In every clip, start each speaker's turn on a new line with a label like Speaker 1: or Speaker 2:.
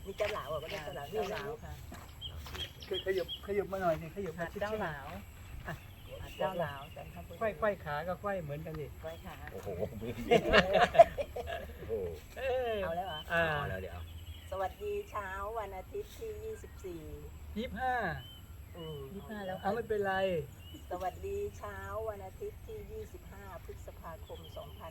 Speaker 1: นี่เจ้าหลาวก็เรียกเจ้าหลาว
Speaker 2: เจ้าหลาวค่ะ
Speaker 3: ขยับมาหน่อยนี่ขยับ
Speaker 2: หา
Speaker 3: มา
Speaker 2: ดเจ้าหลาวหาดเจ้าหลาวจันทบุรี
Speaker 3: ไขว้ขาก็ไขว้เหมือนกันดิ
Speaker 2: ไว้ค่ะ
Speaker 4: โอ้โหโอ้โห
Speaker 1: เอาแล้วเหรอ
Speaker 4: เอาแล้วเดี๋ยว
Speaker 1: สวัสดีเช้าวันอาทิตย์ที่
Speaker 3: 25
Speaker 2: 25แล้ว
Speaker 3: เอาไม่เป็นไร
Speaker 1: 24 สวัสดีเช้าวันอาทิตย์ที่ 25 พฤษภาคม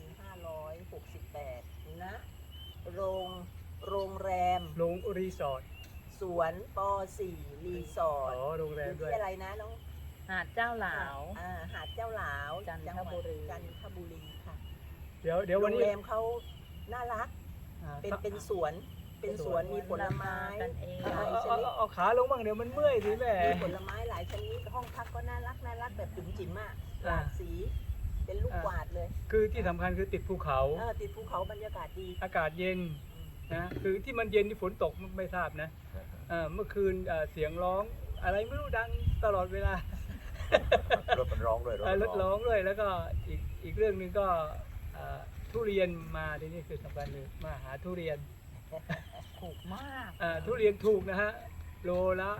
Speaker 1: 2568 ณ โรงแรม
Speaker 3: ลงรีสอร์ท
Speaker 1: สวนป .4 รีสอร์ท
Speaker 3: โรงแร
Speaker 1: อ
Speaker 3: ม
Speaker 1: ยู่
Speaker 3: ด้วย
Speaker 1: ที่อะไรนะน้อง
Speaker 2: หาดเจ้าหลาว
Speaker 1: หาดเจ้าหลาว
Speaker 2: จันท
Speaker 1: จังหวัด
Speaker 2: บุรี
Speaker 1: จันทบุรีค่ะ
Speaker 3: เดี๋ยว
Speaker 1: โร
Speaker 3: วัน
Speaker 1: ง
Speaker 3: นี้
Speaker 1: แรมเขาน่ารัก เป็นสวนมีผลไม้
Speaker 2: กันเอง
Speaker 1: หลายชนิด
Speaker 3: เอาขาลงบ้างเดี๋ยวมันเมื่อยสิแม่
Speaker 1: มีผลไม้หลายชนิดห้องพักก็น่ารักแบบจุ๋มจิ๋มอะหลากสี เป็นลูกกวาดเลย
Speaker 3: คือที่สำคัญคือติดภูเขา
Speaker 1: ติดภูเขาบรรยากาศดี
Speaker 3: อากาศเย็นนะคือที่มันเย็นที่ฝนตกไม่ทราบนะเมื่อคืนเสียงร้องอะไรไม่รู้ดังตลอดเวลาร
Speaker 4: ถมันร้องด้วย
Speaker 3: รถร้องด้วยแล้วก็อีกเรื่องหนึ่งก็ทุเรียนมาที่นี่คือสำคัญเลยมาหาทุเรียน
Speaker 2: ถูกมาก
Speaker 3: ทุเรียนถูกนะฮะโลละ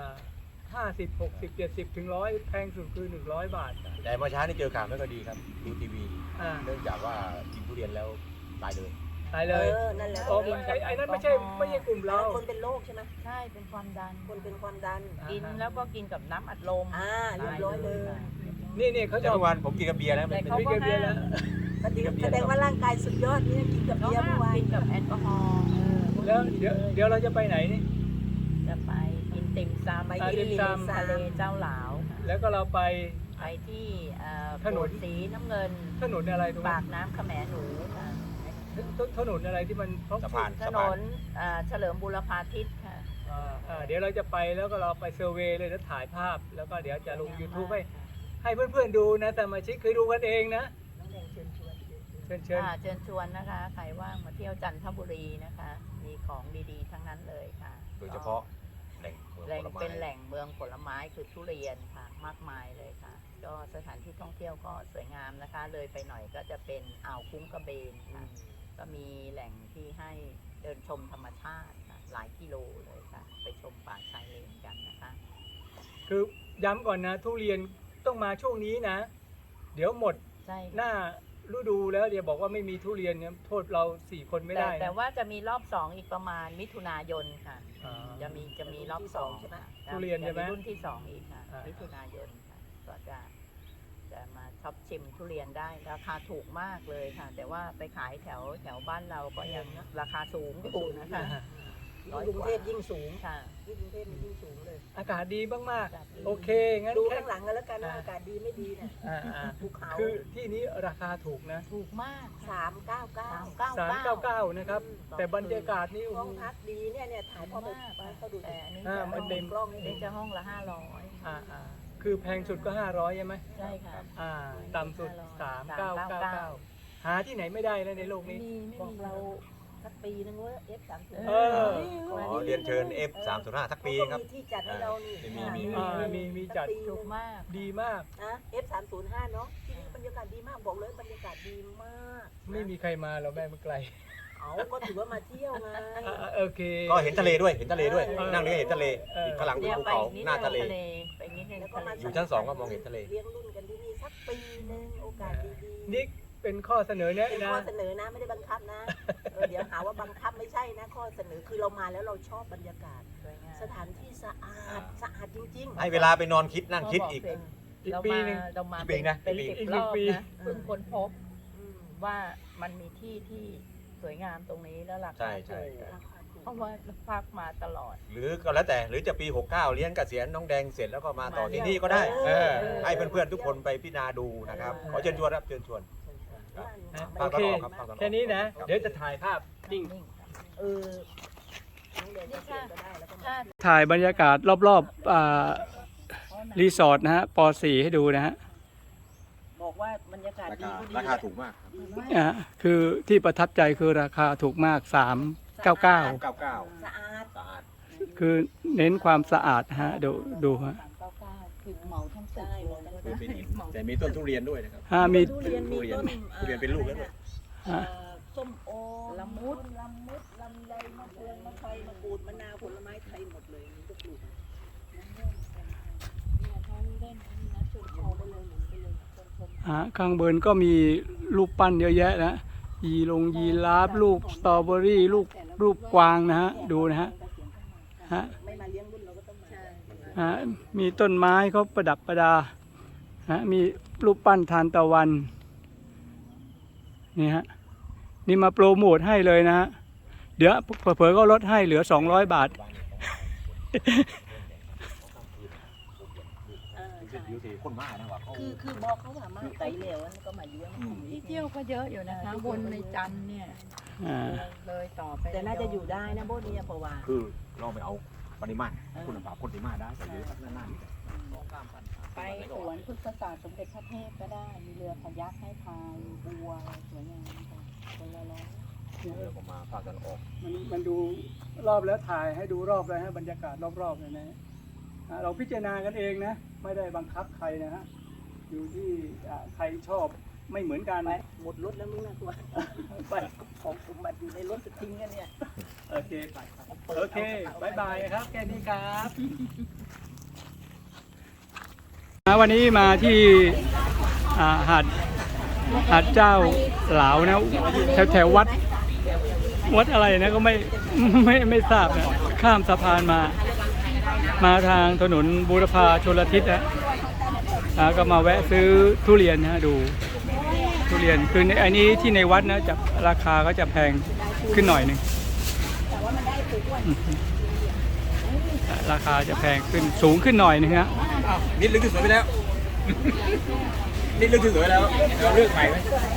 Speaker 3: 50 60 70ถึง100แพงสุดคือ100 บาท
Speaker 4: แต่เมื่อเช้านี่เจอข่าวไม่ค่อยดีครับดูทีวี
Speaker 3: อ่า
Speaker 4: เนื่องจากว่ากินทุเรียนแล้วตายเลย
Speaker 3: ตายเลย
Speaker 1: นั่นแหละ
Speaker 3: อ๋อไอ้นั้นไม่ใช่กลุ่มเรา
Speaker 1: คนเป็นโรคใช่ไหม
Speaker 2: ใช่เป็นความดัน
Speaker 1: คนเป็นความดัน
Speaker 2: กินแล้วก็กินกับน้ำอัดลม
Speaker 1: เรียบร้อยเลย
Speaker 3: นี่เขาจะ
Speaker 4: แต่เมื่อวานผมกินกับเบียร์แล้ว
Speaker 2: แต่
Speaker 4: มัน
Speaker 2: เขา
Speaker 4: เป็น
Speaker 2: ก็
Speaker 3: เบียร์แล้ว
Speaker 1: แสดงว่าร่างกายสุดยอดนี่กินกับ
Speaker 2: เขา
Speaker 1: เบียร์
Speaker 2: ห้า
Speaker 1: เมื่อ
Speaker 2: ม
Speaker 1: วาน
Speaker 2: กินกับแอลกอฮอล์
Speaker 3: แล้วเดี๋ยวเราจะไปไหนนี่
Speaker 2: จะไปกินติ่มซำ
Speaker 1: ไป
Speaker 2: ไป
Speaker 1: กิน
Speaker 2: ริม
Speaker 1: ติ่มซำ
Speaker 2: ทะเลเจ้าหลาวค่ะ
Speaker 3: แล้วก็เราไป
Speaker 2: ไปที่
Speaker 3: ถนน
Speaker 2: โบสถ์สีน้ำเงิน
Speaker 3: ถนนอะไรตรง
Speaker 2: ปา
Speaker 3: นั้น
Speaker 2: กน้ำขแมหนูค่ะ
Speaker 3: ถนนอะไรที่มันเพราะ
Speaker 4: สะพาน
Speaker 2: ถ
Speaker 4: สะ
Speaker 2: น
Speaker 4: พาน
Speaker 2: นเฉลิมบูรพาทิตย์ค่ะ
Speaker 3: เดี๋ยวเราจะไปแล้วก็เราไปเซอร์เวย์เลยแล้วถ่ายภาพ แล้วก็เดี๋ยวจะลง YouTube ให้เพื่อนๆดูนะแต่มาชิกเคยดูกันเองนะ
Speaker 1: น้องแดงเชิญชวน
Speaker 3: เชิญ
Speaker 2: เชิญชวนนะคะ ใครว่างมาเที่ยวจันทบุรีนะคะ มีของดีๆ ทั้งนั้นเลยค่ะ
Speaker 4: โดยเฉพาะแหล่งเมือง
Speaker 2: แหล่ง
Speaker 4: ผลไม้
Speaker 2: เป็นแหล่งเมืองผลไม้คือทุเรียนค่ะ มากมายเลยค่ะ ก็สถานที่ท่องเที่ยวก็สวยงามนะคะ เลยไปหน่อยก็จะเป็นอ่าวคุ้งกระเบนค่ะ ก็มีแหล่งที่ให้เดินชมธรรมชาติค่ะหลายกิโลเลยค่ะ ไปชมป่าชายเลนกันนะคะ
Speaker 3: คือย้ำก่อนนะทุเรียนต้องมาช่วงนี้นะ เดี๋ยวหมด
Speaker 2: ใช่
Speaker 3: หน้าฤดูแล้วเดี๋ยวบอกว่าไม่มีทุเรียนเนี่ยโทษเรา4 คนไม่ได้นะ
Speaker 2: แต่ว่าจะมีรอบ2อีกประมาณมิถุนายนค่ะ
Speaker 3: อ่า
Speaker 2: จะมีรอบ2
Speaker 1: ใช่ไหม
Speaker 3: ทุเรียนใช่ไหม
Speaker 2: จะรุ่นที่2อีกค่ะ
Speaker 3: อ่ามิ
Speaker 2: มิถุนายนค่ะก็จะมาช็อปชิมทุเรียนได้ราคาถูกมากเลยค่ะ แต่ว่าไปขายแถวบ้านเราก็ยังราคาสูงอยู่นะคะ
Speaker 1: ยิ่งกรุงเทพยิ่งสูง
Speaker 2: ค่ะ
Speaker 1: ยิ่งกรุงเทพมันยิ่งสูงเลย
Speaker 3: อากาศดีมาก
Speaker 2: อากาศดี
Speaker 3: ๆโอเคงั้น
Speaker 1: ดู
Speaker 3: แค่
Speaker 1: ข้างหลังกันแล้วกันว่าอากาศดีไม่ดีเนี่ย ภูเขา
Speaker 3: คือที่นี้ราคาถูกนะ
Speaker 2: ถูกมาก
Speaker 1: 399
Speaker 3: 399นะครับ แต่บรรยากาศนี่โอ้
Speaker 1: ห้อง
Speaker 3: โห
Speaker 1: พักดีเนี่ยถ่ายพ่อไปให้เขาดู
Speaker 2: แต่อันนี้
Speaker 3: มันเต็ม
Speaker 1: กล้องนี่
Speaker 2: นี่จะห้องละ
Speaker 3: อ่าคือแพงสุดก็500ใช่ไหม
Speaker 2: 500ใช่ค่ะ
Speaker 3: ต่ำสุด 3999 หาที่ไหนไม่ได้แล้วในโลกนี้
Speaker 1: บอกเราสักปีนึงว่า F30
Speaker 3: เออ
Speaker 4: ขอเรียนเชิญ F305 สักปีครับ
Speaker 1: มีที่จัดให้เรานี่
Speaker 3: มีจัด
Speaker 2: ถูกมาก
Speaker 3: ดีมาก
Speaker 1: นะ F305 เนาะที่นี่บรรยากาศดีมากบอกเลยบรรยากาศดีมาก
Speaker 3: ไม่มีใครมาเราแม่มันไกล
Speaker 1: เอาก็ถือว่ามาเที่ยวไง
Speaker 3: โอเค
Speaker 4: ก็เห็นทะเลด้วยเห็นทะเลด้วย
Speaker 1: เออ
Speaker 4: นั่งนี่ก็เห็นทะเลอีกข้างหลังเป็นภูเขาหน้าทะเล
Speaker 2: ไปนิดนึง
Speaker 1: แล้วก็มา
Speaker 4: อยู่ชั้น2ก็มองเห็นทะเล
Speaker 1: เลี้ยงรุ่นกันที่นี่สักปีนึงโอกาสดีๆ
Speaker 3: นี่เป็นข้อเสนอแนะ
Speaker 1: เป็น
Speaker 3: นะ
Speaker 1: ข้อเสนอนะไม่ได้บังคับนะเดี๋ยวหาว่าบังคับไม่ใช่นะข้อเสนอคือเรามาแล้วเราชอบบรรยากาศ สถานที่สะอาดจริงๆ
Speaker 4: ให้เวลาไปนอนคิดนั่งคิดอีก
Speaker 3: อีกปีหนึ่ง
Speaker 2: เรามา
Speaker 4: อีกปีนะ
Speaker 2: เป็น
Speaker 4: อีก
Speaker 2: 10
Speaker 3: อีก
Speaker 2: รอบ
Speaker 3: ปี
Speaker 2: นะเพิ่งค้นพบ
Speaker 1: อืม
Speaker 2: ว่ามันมีที่ที่สวยงามตรงนี้แล้วรา
Speaker 4: ใช่
Speaker 2: คา
Speaker 4: ใช่
Speaker 2: ถูก
Speaker 1: ราคาถูก
Speaker 2: เพราะว่าพักมาตลอด
Speaker 4: หรือก็แล้วแต่หรือจะปี 69เลี้ยงเกษียณน้องแดงเสร็จแล้วก็มาต่อที่นี่ก็ได้ ให้เพื่อนๆทุกคนไปพิจารณาดูนะครับขอเชิญชวนครับเชิญชวน
Speaker 3: โอเค
Speaker 4: ครับครับ
Speaker 3: แค่นี้นะ เดี๋ยวจะถ่ายภาพนิ่ง
Speaker 1: เออน้องเดนจะเปลี่ยนก็ได้แล้วก็มา
Speaker 2: ถ้า
Speaker 3: ถ่ายบรรยากาศรอบๆรีสอร์ทนะฮะป .4 ให้ดูนะฮะ
Speaker 1: บอกว่าบรรยากาศดีก็ดี
Speaker 4: ราคาถูกมาก
Speaker 1: ดีมาก
Speaker 3: คือที่ประทับใจคือราคาถูกมาก 399
Speaker 1: สะอาด
Speaker 4: สะอาด
Speaker 3: คือเน้นความสะอาดฮะดูฮะ
Speaker 2: 399คือเหมาทั้งตึกเลยนะ
Speaker 4: แต่มีต้นทุเรียนด้วยนะครับ
Speaker 3: มี
Speaker 1: ทุเรียนมีต้น
Speaker 4: ทุเรียนเป็นลูกแล้วด้วย
Speaker 1: เอ่อสส้มโอ
Speaker 2: ละมุด
Speaker 1: ลำไยมะเฟืองมะไฟมะกรูดมะนาวผลไม้ไทยหมดเลยนี่ก็ปลูก
Speaker 3: ข้างบนก็มีรูปปั้นเยอะแยะนะยีราฟรูปสตรอเบอรี่รูปกวางนะฮะดูนะฮะ
Speaker 1: ไม่มาเลี้ยงรุ่นเราก็ต้องมา
Speaker 3: มีต้นไม้เขาประดับประดามีรูปปั้นทานตะวันนี่ฮะนี่มาโปรโมทให้เลยนะฮะเดี๋ยวเผลอๆก็ลดให้เหลือ200 บาท
Speaker 4: คนมากนะว่าเขา
Speaker 1: คือบอกเขาว่ามาไกลแล้วนั่นก็มาเลี้ยง
Speaker 2: ที่เที่ยวก็เยอะอยู่นะคะวนในจันทร์เนี่ยเลยต่อไป
Speaker 1: แต่น่าจะอยู่ได้นะโบเนี่ยเพราะว่า
Speaker 4: คือเราไปเอาปริมาณคุณภาพคนที่มาได้ไปเยอะนาน
Speaker 2: ไปสวนพฤกษศาสตร์สมเด็จพระเทพก็ได้มีเรือคายักให้พายบัวสวยงามค่ะคนละร้อย
Speaker 4: ๆเรือก็มาพากันออก
Speaker 3: มันดูรอบแล้วถ่ายให้ดูรอบเลยฮะบรรยากาศรอบๆเลยนะเราพิจารณากันเองนะไม่ได้บังคับใครนะฮะอยู่ที่ใครชอบไม่เหมือนกัน
Speaker 1: ไปหมดรถแล้วมึงนะตัวไปของสมบัติอยู่ในรถจะทิ้งกันเนี่ย
Speaker 3: โอเคไปครับโอเคบายบายครับแค่นี้ครับวันนี้มาที่หาดเจ้าหลาวนะแถววัดอะไรนะก็ไม่ทราบนะข้ามสะพานมาทางถนนบูรพาชลทิศนะก็มาแวะซื้อทุเรียนนะดูทุเรียนคืออันนี้ที่ในวัดนะจะราคาก็จะแพงขึ้นหน่อยนึงราคาจะแพงขึ้นสูงขึ้นหน่อยนึงฮะ
Speaker 4: นิดลึกที่สวยไปแล้ว นิดลึกที่สวยแล้วเราเลือกใหม่ไหม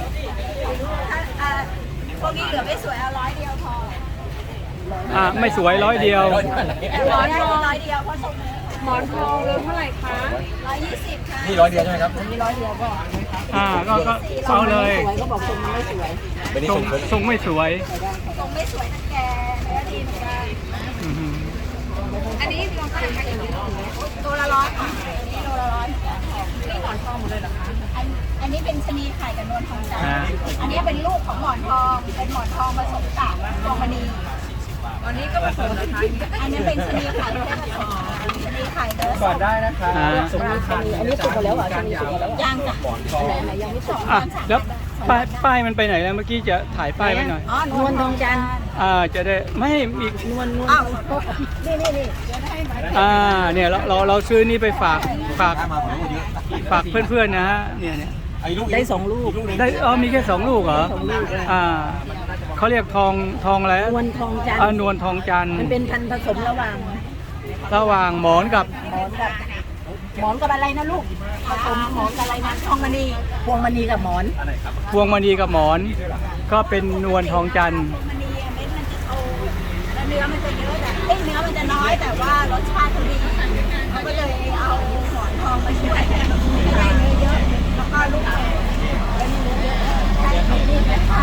Speaker 5: พวกนี้เหลือไม่สวยเอา100 เดียวพอ
Speaker 3: ไม่สวย100 เดียว
Speaker 5: หมอนทอง100 เดียวเพราะส่งหมอนทองเลยเท่าไหร่คะ120ค่ะ
Speaker 4: นี่100 เดียวใช่ไหมครับ
Speaker 1: มีร้อยเดียวก็
Speaker 3: ก็เอาเลย
Speaker 1: สวยก็บอกทรงมันไม่สวย
Speaker 4: เป็นนี่
Speaker 3: ทรงไม่สวย
Speaker 5: ส่งไม่สวยนะแกเนื้อดีเหมือนกัน
Speaker 3: อือฮึ
Speaker 5: อันนี้ลองเท่าไหร่คะตัวละ100ค่ะอันนี้โลละ100นี่หมอนทองหมดเลยเหรอคะอันนี้เป็นชะนีไข่กับนวลทองจันทร์อันนี้เป็นลูกของหมอนทองเป็นหมอนทองผสมกับพวงมณีอันนี้ก็ผสมนะคะอันนี้เป็นชะนีไข่แค่ผสมชะนีไข่เด้อ
Speaker 3: ก่อนได้นะคะ
Speaker 1: อันนี้สุกหมดแล้วเหรอชนีสุกหมดแล้ว
Speaker 5: ย่างจ้ะ
Speaker 1: ไหนยังไม่สุก
Speaker 3: แล้วป้ายมันไปไหนแล้วเมื่อกี้จะถ่ายป้ายไว้หน่อย
Speaker 5: อ๋อนวลทองจันทร์
Speaker 3: จะได้ไม่อีก
Speaker 1: นวล
Speaker 5: อ้าว
Speaker 1: นี่
Speaker 3: เนี่ยเราซื้อนี่ไปฝาก
Speaker 4: มาผมเยอะ
Speaker 3: ฝากเพื่อนๆนะฮะเนี่ย
Speaker 4: ไอ้ลูก
Speaker 1: ได้2 ลูก
Speaker 3: ได้มีแค่2 ลูกเหรอ
Speaker 1: 2 ลูกเลย
Speaker 3: เขาเรียกทองอะไร
Speaker 1: นวลทองจันทร์
Speaker 3: นวลทองจันทร์
Speaker 1: มันเป็นพันธุ์ผสมระหว่าง
Speaker 3: หมอนกับ
Speaker 1: หมอนกับอะไรนะลูกผสมหมอนกับอะไรนะทองมณีพวงมณีกับหมอน
Speaker 3: พวงมณีกับหมอน ก็เป็นนวลทองจันทร์
Speaker 5: มันดีเม็ดมันจะโตแล้วเนื้อมันจะเยอะแต่เนื้อมันจะน้อยแต่ว่ารสชาติเขาดีเขาก็เลยเอาหมอนทองมาช่วยให้ได้เนื้อเยอะแล้วก็ลูกแก่แล้วมีเนื้อเยอะใช่ดีแม่ค่ะ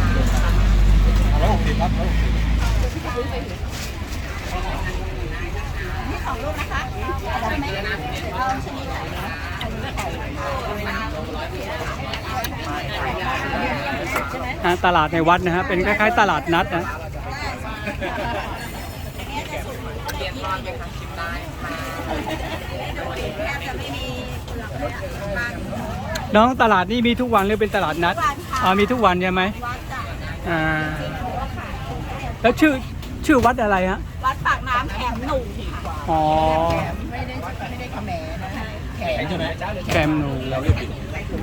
Speaker 4: 160ครับ
Speaker 5: นี่2 ลูกนะคะใช่ไหมเอาชนิดไหนนะ
Speaker 3: ตลาดในวัดนะฮะเป็นคล้ายๆตลาดนัดนะน้องตลาดนี่มีทุกวันหรือเป็นตลาดนัดมีทุกวันใช่ไหม
Speaker 5: วัดจ้ะ
Speaker 3: แล้วชื่อวัดอะไรฮะ
Speaker 5: วัดปากน้ำแขมหนุ่มค่ะ
Speaker 3: อ๋อ
Speaker 1: ไม่ได้ขแหมนะแข
Speaker 4: แข็งใช่ไหม
Speaker 3: แคมหนู
Speaker 4: เราเรียกผิด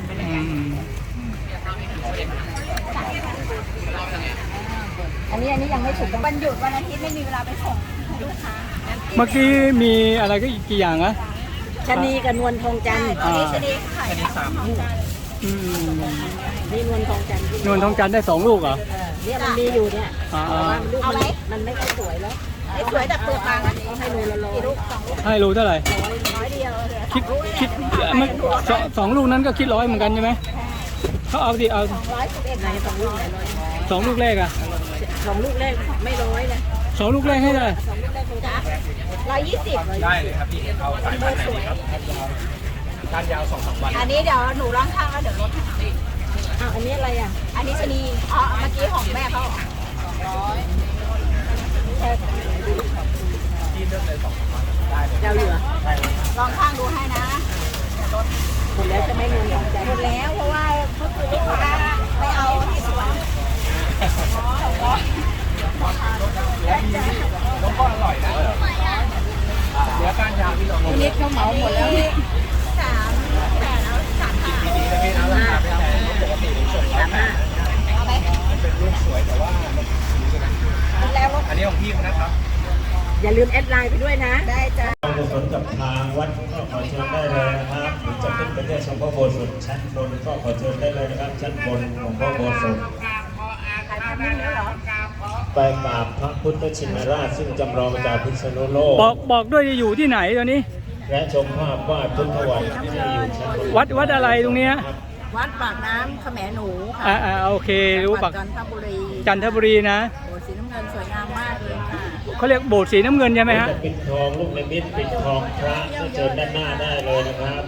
Speaker 1: อันนี้ยังไม่สุก
Speaker 5: วันหยุดวันอาทิตย์ไม่มีเวลาไปส่งให้ลูกค้า
Speaker 3: เมื่อกี้มีอะไรก็อีกกี่อย่างอะ
Speaker 1: ชะนีกับนวลทองจันทร์
Speaker 5: อันนี้ชนิดไข่
Speaker 3: อืม
Speaker 1: นี่นวลทองจันทร์
Speaker 3: นวลทองจันทร์ได้2 ลูกเหรอ
Speaker 1: เนี่ยมันมีอยู่เนี่ย
Speaker 3: อ่า
Speaker 1: ลูกมันไม่ค่อยสวยแล้ว
Speaker 5: ไม่สวยแต่เปลือกบางอันนี้
Speaker 1: ให้โลละ100
Speaker 5: กี่ลูก2 ลูก
Speaker 3: ให้รู้เท่าไหร่
Speaker 5: 100 เดียวเลย
Speaker 3: คิดมันสองลูกนั้นก็คิด100เหมือนกันใช่ไหมเขาเอา
Speaker 1: ไห
Speaker 3: เอา
Speaker 1: น2 ลูกไหน100
Speaker 3: 2 ลูกแรกอะ
Speaker 1: 2 ลูกแรกไม่100นะ
Speaker 3: 2 ลูกแรกให้ได้
Speaker 1: 2 ลูกแรกคงจะ
Speaker 5: 120
Speaker 4: ได้เลยครับพี่เอาสายพันธุ์ไหนดีครับการยาว2-3 วัน
Speaker 5: อันนี้เดี๋ยวหนูร่างข้างแล้วเดี๋ยวลดให้
Speaker 1: อ้าวอันนี้อะไรอ่ะ
Speaker 5: อันนี้ชะนีอ๋อเมื่อกี้ของแม่เขา200
Speaker 1: เราเหลือ
Speaker 5: ลองข้างดูให้นะ
Speaker 1: หมดแล้วจะไม่เงินของใจ
Speaker 5: หมดแล้วเพราะว่าก็คือลูกค้าไปเอาที่สวน
Speaker 1: ทีนี้เขาเหมาหมดแล้วนี่
Speaker 5: 3 8เอา3 5เอาไหมแล้วรถ
Speaker 4: อันนี้ของพี่นะครับ
Speaker 1: อย่าลืมแอดไลน์ไปด้วยนะ
Speaker 5: ได้จ้ะ
Speaker 6: กุศลกับทางวัดก็ขอเชิญได้เลยนะครับหรือจะขึ้นไปเที่ยวชมพระโบสถชั้นบนก็ขอเชิญได้เลยนะครับ ชั้นบนของพระโบสถ
Speaker 1: ถ่ายภาพนิ่งแล้วเหรอ
Speaker 6: ไปกราบพระพุทธชินราชซึ่งจำลองจากพิษณุโลก
Speaker 3: บอกด้วยจะอยู่ที่ไหนตอนนี้
Speaker 6: และชมภาพวาดพุทธวันที่อยู่ชั้นบน
Speaker 3: วัดอะไรตรงเนี้ย
Speaker 2: วัดปากน้ำขแมหนูค่ะ
Speaker 3: โอเครู้ปัก
Speaker 2: จันทบุรี
Speaker 3: จันทบุรีนะ
Speaker 2: โบสถ์สีน้ำเงินสวยงามมากเลยค่ะ
Speaker 3: เขาเรียกโบสถ์สีน้ำเงินใช่ไหมฮะ
Speaker 6: จะปิดทองลูกในมิตรปิดทองพระก็เชิญด้านหน้าได้เลยนะครับ